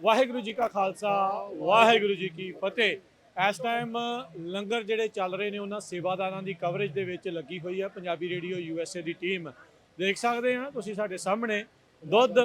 ਵਾਹਿਗੁਰੂ ਜੀ ਕਾ ਖਾਲਸਾ ਵਾਹਿਗੁਰੂ ਜੀ ਕੀ ਫਤਿਹ। ਇਸ ਟਾਈਮ ਲੰਗਰ ਜਿਹੜੇ ਚੱਲ ਰਹੇ ਨੇ ਉਹਨਾਂ ਸੇਵਾਦਾਰਾਂ ਦੀ ਕਵਰੇਜ ਦੇ ਵਿੱਚ ਲੱਗੀ ਹੋਈ ਹੈ ਪੰਜਾਬੀ ਰੇਡੀਓ USA ਦੀ ਟੀਮ। ਦੇਖ ਸਕਦੇ ਆ ਤੁਸੀਂ ਸਾਡੇ ਸਾਹਮਣੇ ਦੁੱਧ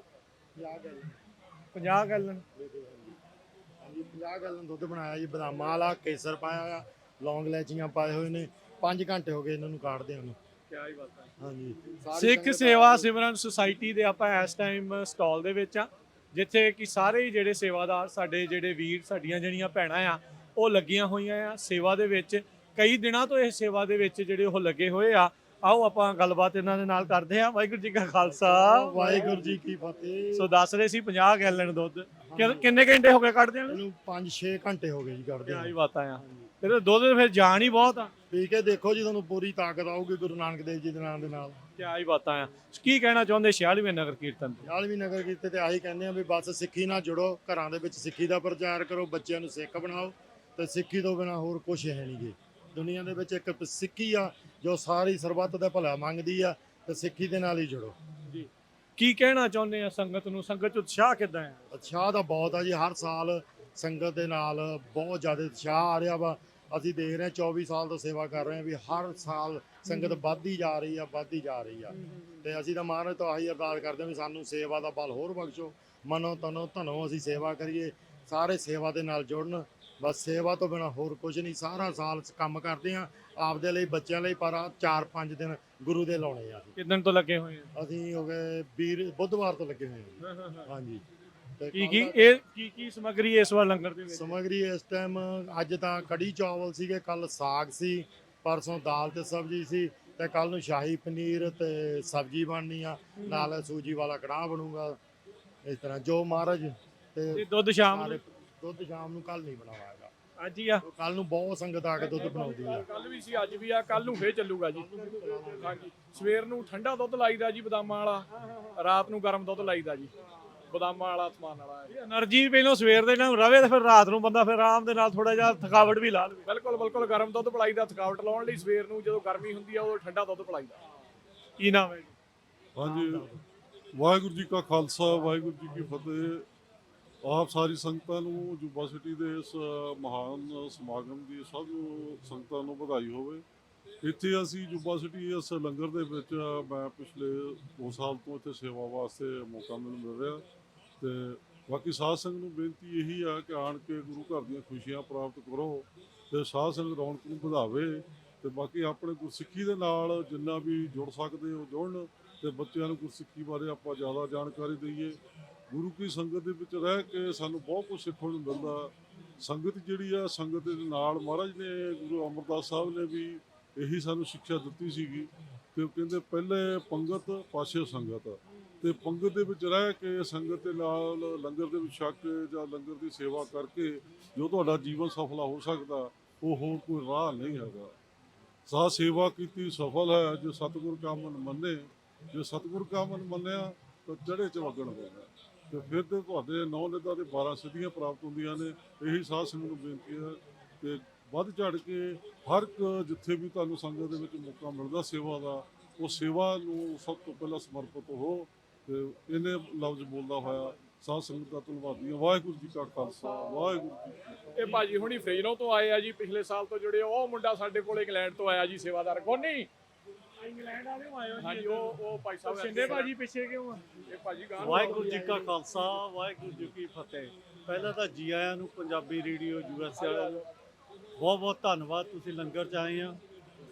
50 ਗੈਲਨ ਹਾਂਜੀ 50 ਗੈਲਨ ਦੁੱਧ ਬਣਾਇਆ ਜੀ, ਬਦਾਮਾਂ ਵਾਲਾ, ਕੇਸਰ ਪਾਇਆ ਆ, ਲੌਂਗ ਇਲਾਇਚੀਆਂ ਪਾਏ ਹੋਏ ਨੇ। 5 ਘੰਟੇ ਹੋ ਗਏ ਇਹਨਾਂ ਨੂੰ ਕਾੜਦਿਆਂ ਨੂੰ। ਕਿਆ ਹੀ ਬਾਤ ਹੈ। ਹਾਂਜੀ ਸਿੱਖ ਸੇਵਾ ਸਿਮਰਨ ਸੁਸਾਇਟੀ ਦੇ ਆਪਾਂ ਇਸ ਟਾਈਮ ਸਟਾਲ ਦੇ ਵਿੱਚ ਆ, ਜਿੱਥੇ ਕਿ ਸਾਰੇ ਹੀ ਜਿਹੜੇ ਸੇਵਾਦਾਰ ਸਾਡੇ ਜਿਹੜੇ ਵੀਰ ਸਾਡੀਆਂ ਜਿਹੜੀਆਂ ਭੈਣਾਂ ਆ ਉਹ ਲੱਗੀਆਂ ਹੋਈਆਂ ਆ ਸੇਵਾ ਦੇ ਵਿੱਚ। ਕਈ ਦਿਨਾਂ ਤੋਂ ਇਹ ਸੇਵਾ ਦੇ ਵਿੱਚ ਜਿਹੜੇ ਉਹ ਲੱਗੇ ਹੋਏ ਆ। ਆਓ ਆਪਾਂ ਗੱਲਬਾਤ ਇਹਨਾਂ ਦੇ ਨਾਲ ਕਰਦੇ ਹਾਂ। ਵਾਹਿਗੁਰੂ ਜੀ ਕਾ ਖਾਲਸਾ ਵਾਹਿਗੁਰੂ ਜੀ ਕੀ ਫਤਿਹ। ਸੋ ਦੱਸ ਰਹੇ ਸੀ 50 ਗੈਲਨ ਦੁੱਧ ਕਿੰਨੇ ਘੰਟੇ ਹੋ ਗਏ ਕੱਢਦੇ ਨੂੰ? ਇਹਨੂੰ 5-6 ਘੰਟੇ ਹੋ ਗਏ ਜੀ ਕੱਢਦੇ ਕਿਆ ਹੀ ਬਾਤਾਂ ਆ। ਤੇ ਦੁੱਧ ਫਿਰ ਜਾਨ ਹੀ ਬਹੁਤ ਆ। ਪੀ ਕੇ ਦੇਖੋ ਜੀ, ਤੁਹਾਨੂੰ ਪੂਰੀ ਤਾਕਤ ਆਊਗੀ ਗੁਰੂ ਨਾਨਕ ਦੇਵ ਜੀ ਦੇ ਨਾਮ ਦੇ ਨਾਲ। ਕਿਆ ਹੀ ਬਾਤਾਂ ਆ। ਕੀ ਕਹਿਣਾ ਚਾਹੁੰਦੇ 46ਵੇਂ ਨਗਰ ਕੀਰਤਨ ਤੇ? 46ਵੀਂ ਨਗਰ ਕੀਰਤਨ ਤੇ ਆਹੀ ਕਹਿੰਦੇ ਆ ਵੀ ਬਸ ਸਿੱਖੀ ਨਾਲ ਜੁੜੋ, ਘਰਾਂ ਦੇ ਵਿੱਚ ਸਿੱਖੀ ਦਾ ਪ੍ਰਚਾਰ ਕਰੋ, ਬੱਚਿਆਂ ਨੂੰ ਸਿੱਖ ਬਣਾਓ। ਤੇ ਸਿੱਖੀ ਤੋਂ ਬਿਨਾ ਹੋਰ ਕੁਝ ਹੈ ਨਹੀਂ ਗੇ ਦੁਨੀਆ ਦੇ ਵਿੱਚ। ਇੱਕ ਸਿੱਖੀ ਆ ਜੋ ਸਾਰੀ ਸਰਬੱਤ ਦਾ ਭਲਾ ਮੰਗਦੀ ਆ, ਤੇ ਸਿੱਖੀ ਦੇ ਨਾਲ ਹੀ ਜੁੜੋ ਜੀ। ਕੀ ਕਹਿਣਾ ਚਾਹੁੰਦੇ ਆ ਸੰਗਤ ਨੂੰ? ਸੰਗਤ 'ਚ ਉਤਸ਼ਾਹ ਕਿੱਦਾਂ ਆ? ਉਤਸ਼ਾਹ ਤਾਂ ਬਹੁਤ ਆ ਜੀ। ਹਰ ਸਾਲ ਸੰਗਤ ਦੇ ਨਾਲ ਬਹੁਤ ਜ਼ਿਆਦਾ ਉਤਸ਼ਾਹ ਆ ਰਿਹਾ ਵਾ। ਅਸੀਂ ਦੇਖ ਰਹੇ ਹਾਂ 24 ਸਾਲ ਤੋਂ ਸੇਵਾ ਕਰ ਰਹੇ ਹਾਂ ਵੀ ਹਰ ਸਾਲ ਸੰਗਤ ਵੱਧਦੀ ਜਾ ਰਹੀ ਆ, ਵੱਧਦੀ ਜਾ ਰਹੀ ਆ। ਤੇ ਅਸੀਂ ਤਾਂ ਮਹਾਰਾਜ ਤੋਂ ਆਹੀ ਅਰਦਾਸ ਕਰਦੇ ਹਾਂ ਵੀ ਸਾਨੂੰ ਸੇਵਾ ਦਾ ਬਲ ਹੋਰ ਬਖਸ਼ੋ, ਮਨੋ ਤਨੋ ਧਨੋ ਅਸੀਂ ਸੇਵਾ ਕਰੀਏ, ਸਾਰੇ ਸੇਵਾ ਦੇ ਨਾਲ ਜੁੜਨ। ਬਸ ਸੇਵਾ ਤੋਂ ਬਿਨਾ ਹੋਰ ਕੁਝ ਨਹੀਂ। ਸਾਰਾ ਸਾਲ ਕੰਮ ਕਰਦੇ ਆ ਆਪਦੇ ਲਈ, ਬੱਚਿਆਂ ਲਈ, ਪਰ 4-5 ਦਿਨ ਗੁਰੂ ਦੇ ਲਾਉਣੇ ਆ। ਕਿੰਨੇ ਤੋਂ ਲੱਗੇ ਹੋਏ ਆ? ਅਸੀਂ ਹੋ ਗਏ ਬੁੱਧਵਾਰ ਤੋਂ ਲੱਗੇ ਹੋਏ ਹਾਂ। ਹਾਂਜੀ। ਕੀ ਸਮੱਗਰੀ ਇਸ ਵਾਰ ਲੰਗਰ ਦੇ ਵਿੱਚ? ਸਮੱਗਰੀ ਇਸ ਟਾਈਮ ਅੱਜ ਤਾਂ ਕੜੀ ਚਾਵਲ ਸੀਗੇ, ਕੱਲ ਸਾਗ ਸੀ, ਪਰਸੋਂ ਦਾਲ ਤੇ ਸਬਜ਼ੀ ਸੀ, ਤੇ ਕੱਲ ਨੂੰ ਸ਼ਾਹੀ ਪਨੀਰ ਤੇ ਸਬਜ਼ੀ ਬਣਨੀ ਆ, ਨਾਲ ਸੂਜੀ ਵਾਲਾ ਕੜਾਹ ਬਣੂਗਾ। ਇਸ ਤਰ੍ਹਾਂ ਜੋ ਮਹਾਰਾਜ। ਤੇ ਦੁੱਧ ਸ਼ਾਮ ਨੂੰ? ਦੁੱਧ ਸ਼ਾਮ ਨੂੰ ਕੱਲ ਨਹੀਂ ਬਣਾਵਾਂਗਾ, ਅੱਜ ਹੀ ਆ। ਕੱਲ ਨੂੰ ਬਹੁਤ ਸੰਗਤ ਆ ਕੇ ਦੁੱਧ ਬਣਾਉਂਦੀ ਆ। ਕੱਲ ਵੀ ਸੀ, ਅੱਜ ਵੀ ਆ, ਕੱਲ ਨੂੰ ਫੇਰ ਚੱਲੂਗਾ ਜੀ। ਹਾਂਜੀ। ਸਵੇਰ ਨੂੰ ਠੰਡਾ ਦੁੱਧ ਲਾਈਦਾ ਜੀ ਬਦਾਮਾਂ ਵਾਲਾ, ਰਾਤ ਨੂੰ ਗਰਮ ਦੁੱਧ ਲਾਈਦਾ ਜੀ ਬਦਾਮਾਂ ਵਾਲਾ, ਸਮਾਨ ਵਾਲਾ। એનર્ਜੀ ਪਹਿਲਾਂ ਸਵੇਰ ਦੇ ਨਾਲ ਰਵੇ ਤੇ ਫਿਰ ਰਾਤ ਨੂੰ ਬੰਦਾ ਫਿਰ ਆਰਾਮ ਦੇ ਨਾਲ ਥੋੜਾ ਜਿਹਾ ਥਕਾਵਟ ਵੀ ਲਾ ਲਵੇ। ਬਿਲਕੁਲ ਬਿਲਕੁਲ। ਗਰਮ ਦੁੱਧ ਪਿਲਾਈਦਾ ਥਕਾਵਟ ਲਾਉਣ ਲਈ। ਸਵੇਰ ਨੂੰ ਜਦੋਂ ਗਰਮੀ ਹੁੰਦੀ ਆ ਉਦੋਂ ਠੰਡਾ ਦੁੱਧ ਪਿਲਾਈਦਾ। ਕੀ ਨਾਮ ਹੈ ਜੀ? ਹਾਂਜੀ, ਵਾਹਿਗੁਰੂ ਜੀ ਕਾ ਖਾਲਸਾ ਵਾਹਿਗੁਰੂ ਜੀ ਕੀ ਫਤਿਹ। ਆਪ ਸਾਰੀ ਸੰਗਤਾਂ ਨੂੰ ਜੁਬਾ ਸਿਟੀ ਦੇ ਇਸ ਮਹਾਨ ਸਮਾਗਮ ਦੀ ਸਭ ਨੂੰ ਸੰਗਤਾਂ ਨੂੰ ਵਧਾਈ ਹੋਵੇ। ਇੱਥੇ ਅਸੀਂ ਜੁਬਾ ਸਿਟੀ ਇਸ ਲੰਗਰ ਦੇ ਵਿੱਚ ਮੈਂ ਪਿਛਲੇ 2 ਸਾਲ ਤੋਂ ਇੱਥੇ ਸੇਵਾ ਵਾਸਤੇ ਮੌਕਾ ਮੈਨੂੰ ਮਿਲ ਰਿਹਾ। ਤੇ ਬਾਕੀ ਸਾਧ ਸੰਗਤ ਨੂੰ ਬੇਨਤੀ ਇਹੀ ਆ ਕਿ ਆਣ ਕੇ ਗੁਰੂ ਘਰ ਦੀਆਂ ਖੁਸ਼ੀਆਂ ਪ੍ਰਾਪਤ ਕਰੋ ਤੇ ਸਾਧ ਸੰਗਤ ਰੌਣਕ ਨੂੰ ਵਧਾਵੇ। ਤੇ ਬਾਕੀ ਆਪਣੇ ਗੁਰਸਿੱਖੀ ਦੇ ਨਾਲ ਜਿੰਨਾ ਵੀ ਜੁੜ ਸਕਦੇ ਹੋ ਜੁੜਨ, ਤੇ ਬੱਚਿਆਂ ਨੂੰ ਗੁਰਸਿੱਖੀ ਬਾਰੇ ਆਪਾਂ ਜ਼ਿਆਦਾ ਜਾਣਕਾਰੀ ਦਈਏ। ਗੁਰੂ ਕੀ ਸੰਗਤ ਦੇ ਵਿੱਚ ਰਹਿ ਕੇ ਸਾਨੂੰ ਬਹੁਤ ਕੁਝ ਸਿੱਖਣ ਨੂੰ ਮਿਲਦਾ। ਸੰਗਤ ਜਿਹੜੀ ਆ, ਸੰਗਤ ਦੇ ਨਾਲ ਮਹਾਰਾਜ ਨੇ, ਗੁਰੂ ਅਮਰਦਾਸ ਸਾਹਿਬ ਨੇ ਵੀ ਇਹੀ ਸਾਨੂੰ ਸਿੱਖਿਆ ਦਿੱਤੀ ਸੀਗੀ ਕਿ ਕਹਿੰਦੇ ਪਹਿਲੇ ਪੰਗਤ ਪਾਛੇ ਸੰਗਤ। ਤੇ ਪੰਗਤ ਦੇ ਵਿੱਚ ਰਹਿ ਕੇ ਸੰਗਤ ਦੇ ਨਾਲ ਲੰਗਰ ਦੇ ਵਿੱਚ ਛਕ ਕੇ ਜਾਂ ਲੰਗਰ ਦੀ ਸੇਵਾ ਕਰਕੇ ਜੋ ਤੁਹਾਡਾ ਜੀਵਨ ਸਫਲ ਹੋ ਸਕਦਾ, ਉਹ ਹੋਰ ਕੋਈ ਰਾਹ ਨਹੀਂ ਹੈਗਾ। ਸਾਹ ਸੇਵਾ ਕੀਤੀ ਸਫਲ ਹੈ ਜੋ ਸਤਿਗੁਰ ਕਾ ਮਨ ਮੰਨੇ। ਜੇ ਸਤਿਗੁਰ ਕਾ ਮਨ ਮੰਨਿਆ ਤਾਂ ਚੜ੍ਹੇ ਚਵਗਣ ਹੋਗਾ, ਤੇ ਫਿਰ ਤੇ ਤੁਹਾਡੇ 9 ਨਿਧਾਂ ਦੇ 12 ਸਿੱਧੀਆਂ ਪ੍ਰਾਪਤ ਹੁੰਦੀਆਂ ਨੇ। ਇਹੀ ਸਾਧ ਸੰਗਤ ਨੂੰ ਬੇਨਤੀ ਹੈ ਕਿ ਵੱਧ ਚੜ੍ਹ ਕੇ ਹਰ ਇੱਕ ਜਿੱਥੇ ਵੀ ਤੁਹਾਨੂੰ ਸੰਗਤ ਦੇ ਵਿੱਚ ਮੌਕਾ ਮਿਲਦਾ ਸੇਵਾ ਦਾ, ਉਹ ਸੇਵਾ ਨੂੰ ਸਭ ਤੋਂ ਪਹਿਲਾਂ ਸਮਰਪਿਤ ਹੋ। ਤੇ ਇਹਨੇ ਲਫ਼ਜ਼ ਬੋਲਦਾ ਹੋਇਆ ਸਾਧ ਸੰਗਤ ਦਾ ਧੰਨਵਾਦੀ ਹਾਂ। ਵਾਹਿਗੁਰੂ ਜੀ ਕਾ ਖਾਲਸਾ ਵਾਹਿਗੁਰੂ ਜੀ ਕੀ ਫਤਿਹ। ਇਹ ਭਾਜੀ ਹੁਣੀ ਫਰੀਜ਼ਨੋਂ ਤੋਂ ਆਏ ਆ ਜੀ, ਪਿਛਲੇ ਸਾਲ ਤੋਂ ਜੁੜੇ। ਉਹ ਮੁੰਡਾ ਸਾਡੇ ਕੋਲ ਇੰਗਲੈਂਡ ਤੋਂ ਆਇਆ ਜੀ, ਸੇਵਾਦਾਰ ਕੋਨੀ। ਇੰਗਲੈਂਡ ਵਾਲੇ ਆਏ ਹੋ ਜੀ? ਹਾਂਜੀ, ਉਹ ਭਾਈ ਸਾਹਿਬ ਸ਼ਿੰਦੇ ਭਾਜੀ ਪਿੱਛੇ ਕਿਉਂ ਆ? ਇਹ ਭਾਜੀ ਗਾਂ। ਵਾਹਿਗੁਰੂ ਜੀ ਕਾ ਖਾਲਸਾ ਵਾਹਿਗੁਰੂ ਜੀ ਕੀ ਫਤਿਹ। ਪਹਿਲਾਂ ਤਾਂ ਜੀ ਆਇਆਂ ਨੂੰ ਪੰਜਾਬੀ ਰੇਡੀਓ USA ਵਾਲਿਆਂ ਨੂੰ ਬਹੁਤ ਬਹੁਤ ਧੰਨਵਾਦ। ਤੁਸੀਂ ਲੰਗਰ 'ਚ ਆਏ ਆ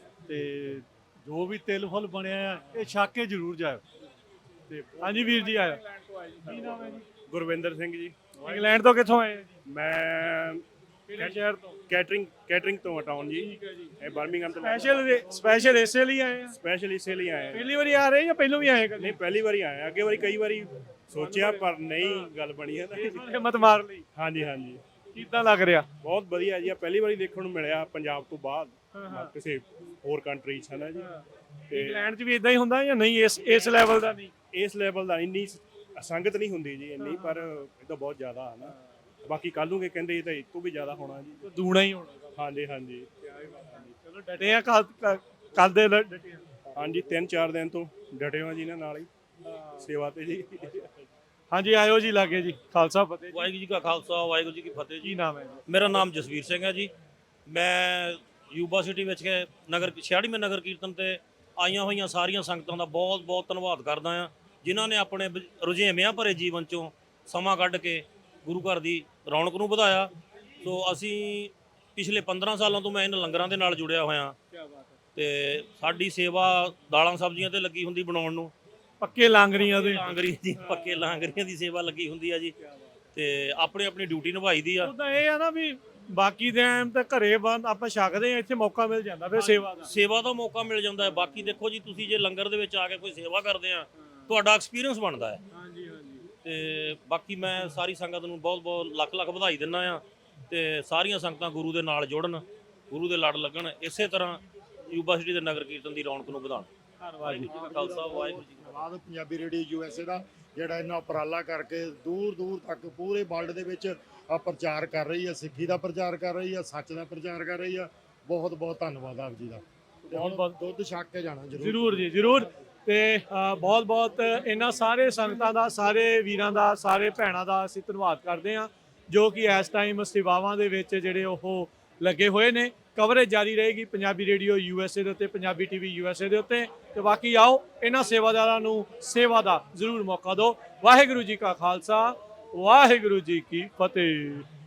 ਤੇ ਜੋ ਵੀ ਤਿਲ ਫੁੱਲ ਬਣਿਆ ਆ ਇਹ ਛਕ ਕੇ ਜ਼ਰੂਰ ਜਾਇਓ। ਤੇ ਹਾਂਜੀ ਵੀਰ ਜੀ ਆਇਆ। ਕੀ ਨਾਮ ਹੈ ਜੀ? ਗੁਰਵਿੰਦਰ ਸਿੰਘ ਜੀ। ਇੰਗਲੈਂਡ ਤੋਂ ਕਿੱਥੋਂ ਆਏ ਜੀ? ਮੈਂ ਕਿਹੜੇ ਸ਼ਹਿਰ ਤੋਂ? ਕੈਟਰਿੰਗ ਤੋਂ ਹਟਾਉਣ ਜੀ। ਠੀਕ ਹੈ ਜੀ। ਇਹ ਬਰਮਿੰਗਮ ਤੋਂ ਸਪੈਸ਼ਲ ਇਸੇ ਲਈ ਆਏ ਆ? ਸਪੈਸ਼ਲ ਇਸੇ ਲਈ ਆਏ ਹਾਂ। ਪਹਿਲੀ ਵਾਰੀ ਆ ਰਹੇ ਜਾਂ ਪਹਿਲਾਂ ਵੀ ਆਏ ਕਦੇ? ਨਹੀਂ, ਪਹਿਲੀ ਵਾਰੀ ਆਏ ਹਾਂ। ਅੱਗੇ ਵਾਰੀ ਕਈ ਵਾਰੀ ਸੋਚਿਆ ਪਰ ਨਹੀਂ ਗੱਲ ਬਣੀ ਹੈ ਨਾ। ਹਿੰਮਤ ਮਾਰ ਲਈ। ਹਾਂਜੀ ਹਾਂਜੀ, ਕਿੱਦਾਂ ਲੱਗ ਰਿਹਾ? ਬਹੁਤ ਵਧੀਆ ਜੀ। ਆ ਪਹਿਲੀ ਵਾਰੀ ਦੇਖਣ ਨੂੰ ਮਿਲਿਆ ਪੰਜਾਬ ਤੋਂ ਬਾਅਦ ਕਿਸੇ ਹੋਰ ਕੰਟਰੀ 'ਚ, ਹੈ ਨਾ ਜੀ। ਤੇ ਇੰਗਲੈਂਡ 'ਚ ਵੀ ਇਦਾਂ ਹੀ ਹੁੰਦਾ ਜਾਂ ਨਹੀਂ? ਇਸ ਲੈਵਲ ਦਾ ਨਹੀਂ? ਇਸ ਲੈਵਲ ਦਾ ਇੰਨੀ ਸੰਗਤ ਨਹੀਂ ਹੁੰਦੀ ਜੀ ਇੰਨੀ, ਪਰ ਇਹ ਤਾਂ ਬਹੁਤ ਜ਼ਿਆਦਾ ਹੈ ਨਾ। ਬਾਕੀ ਕੱਲ੍ਹ ਨੂੰ ਕਹਿੰਦੇ ਇਹ ਤਾਂ ਇਹ ਤੋਂ ਵੀ ਜ਼ਿਆਦਾ ਹੋਣਾ ਜੀ, ਦੂਣਾ ਹੀ ਹੋਣਾ। ਹਾਂਜੀ ਹਾਂਜੀ। ਚਲੋ ਡਟੇ ਆ, ਕੱਲ ਦੇ ਡਟੇ ਆ। ਹਾਂਜੀ, 3-4 ਦਿਨ ਤੋਂ ਡਟੇ ਹਾਂ ਜੀ ਇਹਨਾਂ ਨਾਲ ਹੀ ਸੇਵਾ ਤੇ ਜੀ। ਹਾਂਜੀ ਆਇਓ ਜੀ ਲਾਗੇ ਜੀ। ਖਾਲਸਾ ਫਤਿਹ ਜੀ। ਵਾਹਿਗੁਰੂ ਜੀ ਕਾ ਖਾਲਸਾ ਵਾਹਿਗੁਰੂ ਜੀ ਕੀ ਫਤਿਹ ਕੀ ਜੀ। ਨਾਮ ਹੈ ਜੀ? ਮੇਰਾ ਨਾਮ ਜਸਵੀਰ ਸਿੰਘ ਹੈ ਜੀ। ਮੈਂ ਯੂਬਾ ਸਿਟੀ ਵਿੱਚ ਕੇ 46ਵੇਂ ਨਗਰ ਕੀਰਤਨ ਤੇ ਆਈਆਂ ਹੋਈਆਂ ਸਾਰੀਆਂ ਸੰਗਤਾਂ ਦਾ ਬਹੁਤ ਬਹੁਤ ਧੰਨਵਾਦ ਕਰਦਾ ਹਾਂ, ਜਿਨ੍ਹਾਂ ਨੇ ਆਪਣੇ ਰੁਝੇਵਿਆਂ ਭਰੇ ਜੀਵਨ ਚੋਂ ਸਮਾਂ ਕੱਢ ਕੇ ਗੁਰੂ ਘਰ ਦੀ ਰੌਣਕ ਨੂੰ ਵਧਾਇਆ। ਸੋ ਅਸੀਂ ਪਿਛਲੇ 15 ਸਾਲਾਂ ਤੋਂ ਮੈਂ ਇਹਨਾਂ ਲੰਗਰਾਂ ਦੇ ਨਾਲ ਜੁੜਿਆ ਹੋਇਆ ਤੇ ਸਾਡੀ ਸੇਵਾ ਦਾਲਾਂ ਸਬਜ਼ੀਆਂ ਤੇ ਲੱਗੀ ਹੁੰਦੀ ਬਣਾਉਣ ਨੂੰ। ਪੱਕੇ ਲਾਂਗਰੀਆਂ ਦੇ। ਲਾਂਗਰੀ ਦੀ ਪੱਕੇ ਲਾਂਗਰੀਆਂ ਦੀ ਸੇਵਾ ਲੱਗੀ ਹੁੰਦੀ ਆ ਜੀ, ਤੇ ਆਪਣੀ ਆਪਣੀ ਡਿਊਟੀ ਨਿਭਾਈ ਦੀ ਆ। ਉਦਾਂ ਇਹ ਆ ਨਾ ਵੀ ਬਾਕੀ ਦੇ ਐਮ ਤਾਂ ਘਰੇ ਬੰਦ ਆਪਾਂ ਛਕਦੇ ਆ, ਇੱਥੇ ਮੌਕਾ ਮਿਲ ਜਾਂਦਾ ਫਿਰ ਸੇਵਾ ਦਾ। ਸੇਵਾ ਦਾ ਮੌਕਾ ਮਿਲ ਜਾਂਦਾ ਹੈ। ਬਾਕੀ ਦੇਖੋ ਜੀ, ਤੁਸੀਂ ਜੇ ਲੰਗਰ ਦੇ ਵਿੱਚ ਆ ਕੇ ਕੋਈ ਸੇਵਾ ਕਰਦੇ ਆ, ਤੁਹਾਡਾ ਐਕਸਪੀਰੀਅੰਸ ਬਣਦਾ ਹੈ। ਹਾਂਜੀ ਹਾਂਜੀ। ਤੇ ਬਾਕੀ ਮੈਂ ਸਾਰੀ ਸੰਗਤ ਨੂੰ ਬਹੁਤ ਬਹੁਤ ਲੱਖ ਲੱਖ ਵਧਾਈ ਦਿੰਦਾ ਆ, ਤੇ ਸਾਰੀਆਂ ਸੰਗਤਾਂ ਗੁਰੂ ਦੇ ਨਾਲ ਜੁੜਨ, ਗੁਰੂ ਦੇ ਲੜ ਲੱਗਣ, ਇਸੇ ਤਰ੍ਹਾਂ ਯੂਬਾ ਸਿਟੀ ਦੇ ਨਗਰ ਕੀਰਤਨ ਦੀ ਰੌਣਕ ਨੂੰ ਵਧਾਉਣ। ਧੰਨਵਾਦ ਜੀ। ਖਾਲਸਾ ਵਾਹਿਗੁਰੂ ਜੀ। ਧੰਨਵਾਦ ਪੰਜਾਬੀ ਰੇਡੀਓ USA ਦਾ, ਜਿਹੜਾ ਇਹਨਾਂ ਉਪਰਾਲਾ ਕਰਕੇ ਦੂਰ ਦੂਰ ਤੱਕ ਪੂਰੇ ਵਰਲਡ ਦੇ ਵਿੱਚ ਪ੍ਰਚਾਰ ਕਰ ਰਹੀ ਹੈ, ਸਿੱਖੀ ਦਾ ਪ੍ਰਚਾਰ ਕਰ ਰਹੀ ਹੈ, ਸੱਚ ਦਾ ਪ੍ਰਚਾਰ ਕਰ ਰਹੀ ਹੈ। ਬਹੁਤ ਬਹੁਤ ਧੰਨਵਾਦ ਆਪ ਜੀ ਦਾ। ਤੇ ਹੁਣ ਦੁੱਧ ਛਕ ਕੇ ਜਾਣਾ ਜ਼ਰੂਰ ਜੀ ਜ਼ਰੂਰ। ਤੇ ਬਹੁਤ ਬਹੁਤ ਇਹਨਾਂ ਸਾਰੇ ਸੰਗਤਾਂ ਦਾ, ਸਾਰੇ ਵੀਰਾਂ ਦਾ, ਸਾਰੇ ਭੈਣਾਂ ਦਾ ਅਸੀਂ ਧੰਨਵਾਦ ਕਰਦੇ ਹਾਂ, ਜੋ ਕਿ ਇਸ ਟਾਈਮ ਸੇਵਾਵਾਂ ਦੇ ਵਿੱਚ ਜਿਹੜੇ ਉਹ ਲੱਗੇ ਹੋਏ ਨੇ। ਕਵਰੇਜ ਜਾਰੀ ਰਹੇਗੀ ਪੰਜਾਬੀ ਰੇਡੀਓ USA ਦੇ ਉੱਤੇ, ਪੰਜਾਬੀ TV USA ਦੇ ਉੱਤੇ। ਤੇ ਬਾਕੀ ਆਓ ਇਹਨਾਂ ਸੇਵਾਦਾਰਾਂ ਨੂੰ ਸੇਵਾ ਦਾ ਜ਼ਰੂਰ ਮੌਕਾ ਦਿਓ। ਵਾਹਿਗੁਰੂ ਜੀ ਕਾ ਖਾਲਸਾ, ਵਾਹਿਗੁਰੂ ਜੀ ਕੀ ਫਤਿਹ।